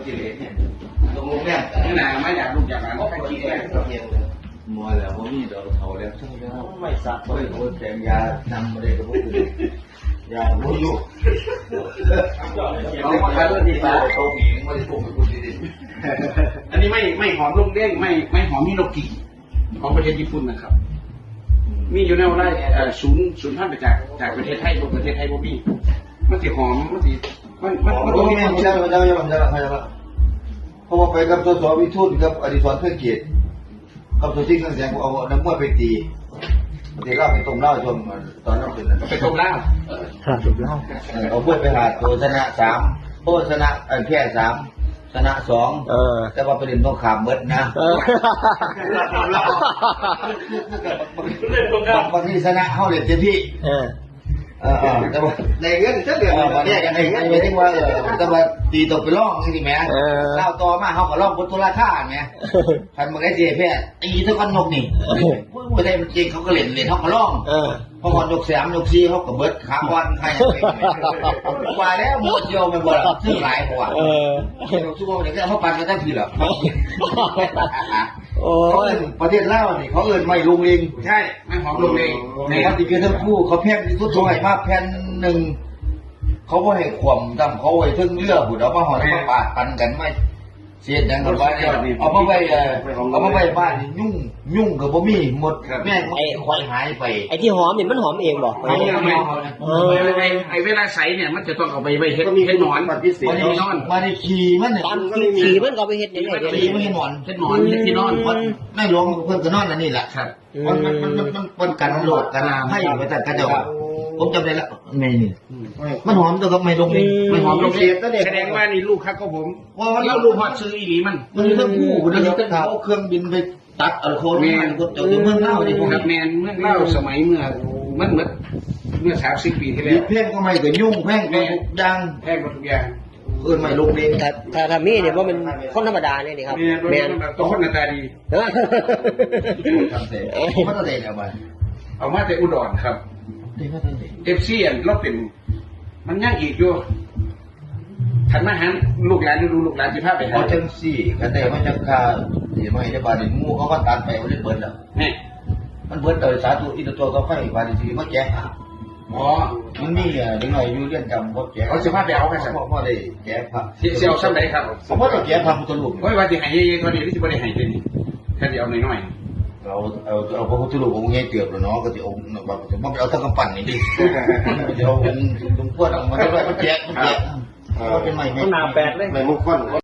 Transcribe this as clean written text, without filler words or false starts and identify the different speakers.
Speaker 1: กิเลสเนี่ยลงแรก
Speaker 2: นี่นะไม่อยากลูกอยากหลานก็ไปกินเลย
Speaker 1: มัวแล้วว่ามีดอกเขาแล้วใช่แล้วไม่สักไม่โคตรแต่ยานำมาเลยกับพวกคุณยาบุญอยู่เขาขายด้วยที่ฟ้าเขาหมิงไม่ได้ปลูกเป็นคุณดีๆ
Speaker 2: อันนี้ไม่หอมลูกเด้งไม่หอมฮิโนกิของประเทศญี่ปุ่นนะครับมีอยู่ในไร่ศูนย์พันธุ์ไปจากประเทศไทยประเทศไทยบ่มีมันสิหอมมันสิมัน
Speaker 1: ไม่ใช่เพราะว่าไปกับสสวิทูลกับอดิศรเพื่อเกียรติกับตัวที่เครื่องแสงเอาน้ำมวยไปตีตีเล่าไปต้มเล่าจนตอนนั้นเป็น
Speaker 2: ไปต้มเหล้า
Speaker 1: ต้มเล่าเอามวยไปหาตัวชนะ3โอ้ชนะแค่3ชนะ2แต่ว่าประเด็นต้องขามเบิดนะบางทีชนะเขาเล่นเต็มที่แต่ว่าในเรื่องเดือดเนี่ยกันในเรื่องไม่ได้ว่าแต่ว่าตีตกไปล่องนี่ไหมเล่าต่อมาเขาก็ล่องบนตุลาท่าไงพันมันได้เจ๊แพ้ตีทุกคนนกนี่ผู้ใดมันจริงเขาก็เล่นเขาก็ล่องพอวันยก3ยก4เขาก็เบิดขาวันใครว่าแล้วหมดโยมมันบ่ละซื้อหลายกว่าชั่วโมงเดี๋ยวเขาปั่นกันตั้งทีหรอโอ้ยประเทศลาวนี่เขาเอิ้นไม่ลุงลิง
Speaker 2: ใช่ไม่หอมลุงลิง
Speaker 1: ในปฏิกิริยาทั้งคู่เขาแพงที่สุดถอยมาแผ่นหนึ่งเขาไม่ให้ข่มดำเขาไว้ทึ่งเลือบุดเอามาห่อแล้วมาปาดปันกันไม่เสียดังกับบ้านเอามาไว้บ้านยุ่งกับบ่มีหมดแม่ไอ้ควายหายไป
Speaker 3: ไอ้ที่หอมเนี่ยมันหอมเองบอก
Speaker 2: ไอ้เวลาใสเนี่ยมันจะต้องเอาไปเฮ็ดหนอน
Speaker 1: มันได้ขี่มันเนี่ย
Speaker 3: ขี่มันก็ไปเฮ็ดยังไง
Speaker 1: ขี่มันหนอน
Speaker 2: เฮ็ดหนอนเฮ็ดที่นอน
Speaker 1: ไม่หลวงเพิ่นก็นอนอันนี้แหละ
Speaker 2: ครับ
Speaker 1: มันกันโหลดกันให้ไปแต่กระจกผมจำได้แล้วไม่นี่มันหอมตัวกับไม่ลงไม่หอมลงเสียก็เด็ก
Speaker 2: แสดงว่านี่ลูกครับก็ผมแล้วลูกพอซื้ออีหลีมัน
Speaker 1: ทั้งคู่มันจะต้องเอาเครื่องบินไปตัดอัลโคลมันก็จะเมืองเล่าที่พวก
Speaker 2: แมนเมืองเล่าสมัยเมื่อ30 ปีที่แล้ว
Speaker 1: แพงก็ไม่ก็ยุ่งแพงก็ทุกอย่าง
Speaker 2: แพงก็ทุกอย่าง
Speaker 1: ไม่ลงเอง
Speaker 3: ถ้ามีเนี่ยว่ามันคนธรรมดาเนี่ยนี่ครับ
Speaker 2: แมนตัวคนหน้าตาดี
Speaker 1: ทำเสร็จไม่ต้องเด็ด
Speaker 2: เอามาแต่อุดรครับFC เราเป็นมันยากอีกอยู่ทันมาหันลูกหลานดูลูกหลานสิพาไปหา
Speaker 1: จังซี่กันแต่มันจะคาสิไม่ได้บาดงูเขาก็ตัดไปเอาได้เบิดแล้ว
Speaker 2: นี่
Speaker 1: มันเบิดโดยสาธุอินตัวก็ไฟบาดสิมาแจก
Speaker 2: อ๋อ
Speaker 1: มันมีดึงหน่อยอยู่เรียนจำก็แจก
Speaker 2: เขาสิพาไปเอากันซะ
Speaker 1: พ่อได้แจกพระ
Speaker 2: สิเอาซ้ำใดครับ
Speaker 1: เพราะเราแจกพระพุทธรูป
Speaker 2: โอ้ยว่าสิให้เยอะๆกว่านี้สิบ่ได้ให้เด้นี่แค่สิเอาน้อย
Speaker 1: ๆเอาพระพุทธรูปองค์ใหญ่เกือบแล้วเนาะก็สิองค์แบบมันเอาทั้งกำปั้นนี่ดิมันจะเอาองค์หลวงพ่อเอามาได้มันแจกเป็นใหม่
Speaker 3: ไม่มุกคน